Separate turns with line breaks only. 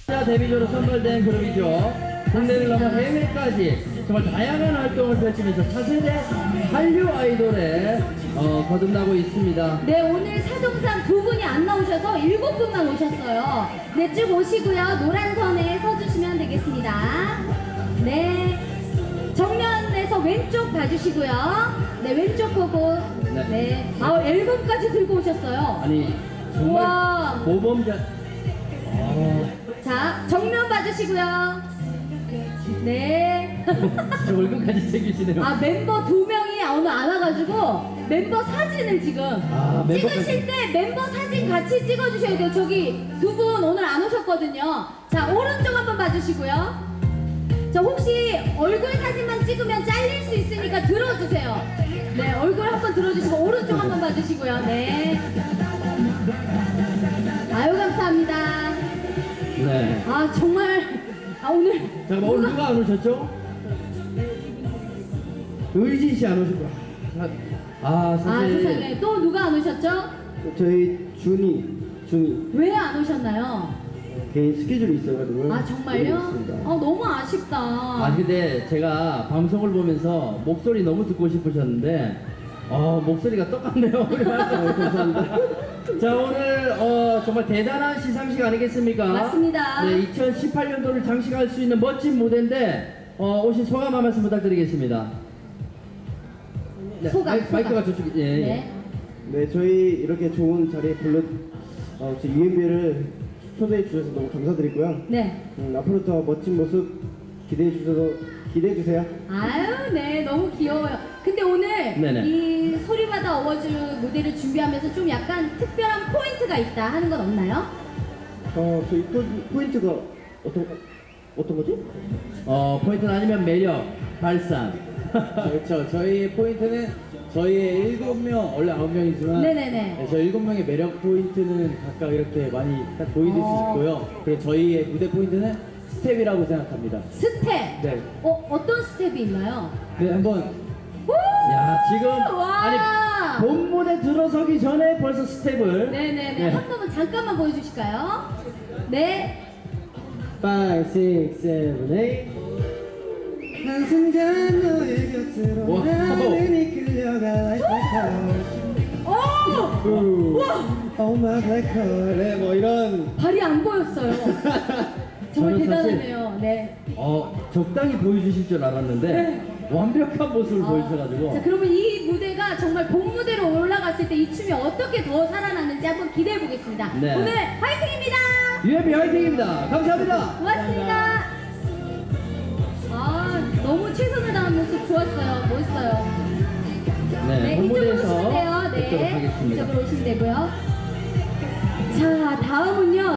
데뷔조로 선발된 그룹이죠. 국내를 넘어 해외까지 정말 다양한 활동을 펼치면서 차세대 한류 아이돌에 거듭나고 있습니다.
네, 오늘 사정상 두 분이 안 나오셔서 7분만 오셨어요. 네, 쭉 오시고요. 노란 선에 서주시면 되겠습니다. 네, 정면에서 왼쪽 봐주시고요. 네, 왼쪽 보고.
네.
네, 아, 앨범까지 들고 오셨어요.
아니 정말
우와.
모범자.
자, 정면 봐주시고요. 네.
저 얼굴까지 챙기시네요.
아, 멤버 2명이 오늘 안 와가지고 멤버 사진을 지금
멤버까지.
찍으실 때 멤버 사진 같이 찍어주셔야 돼요. 저기 두 분 오늘 안 오셨거든요. 자, 오른쪽 한번 봐주시고요. 자, 혹시 얼굴 사진만 찍으면 잘릴 수 있으니까 들어주세요. 네, 얼굴 한번 들어주시고 오른쪽 한번 봐주시고요. 네. 아유, 감사합니다.
네.
아, 정말. 아, 오늘.
잠깐만, 오늘 누가 안 오셨죠? 의진 씨 안 오셨구나.
아,
사실.
세상에. 또 누가 안 오셨죠?
저희 준이
왜 안 오셨나요?
개인 스케줄이 있어가지고요.
아, 정말요? 너무 아쉽다.
근데 제가 방송을 보면서 목소리 너무 듣고 싶으셨는데 목소리가 똑같네요. 감사합니다. 자, 오늘 정말 대단한 시상식 아니겠습니까?
맞습니다.
네, 2018년도를 장식할 수 있는 멋진 무대인데 오신 소감 한 말씀 부탁드리겠습니다. 네,
소감.
마이크가 저쪽에. 예.
네.
네, 저희 이렇게 좋은 자리에 저 UMB를 초대해 주셔서 너무 감사드리고요.
네.
앞으로 더 멋진 모습 기대해 주세요.
아유, 네. 너무 귀여워요. 근데 오늘
네네.
이 소리마다 어워즈 무대를 준비하면서 좀 약간 특별한 포인트가 있다 하는 건 없나요?
저희 포인트가 어떤 거지?
포인트는 아니면 매력, 발산.
그렇죠. 저희 포인트는 저희의 7명, 원래 9명이지만
네네네.
저희 7명의 매력 포인트는 각각 이렇게 많이 딱 보여줄 수 있고요. 그리고 저희의 무대 포인트는 스텝이라고 생각합니다.
스텝.
네.
어떤 스텝이 있나요?
네, 한번
야, 지금
와.
아니 본무대 들어서기 전에 벌써 스텝을.
네네네.
네.
한 번만 잠깐만 보여주실까요? 네.
5, 6, 7, 8 한순간 너의 곁으로
와우.
나는 이끌려가 like
오! 와!
Oh my black hole. 네, 뭐 이런.
발이 안 보였어요. 정말
저는 사실-
대단하네요. 네.
적당히 보여주실 줄 알았는데
네.
완벽한 모습을 보여주셔가지고.
자, 그러면 이 무대가 정말 본 무대로 올라갔을 때 이 춤이 어떻게 더 살아나는지 한번 기대해 보겠습니다.
네.
오늘 화이팅입니다.
UMB 화이팅입니다. 감사합니다.
고맙습니다. 너무 최선을 다한 모습 좋았어요. 멋있어요.
네,
이쪽으로
본무대에서
오시면 돼요.
뵙도록
네,
하겠습니다.
이쪽으로 오시면 되고요. 자, 다음은요.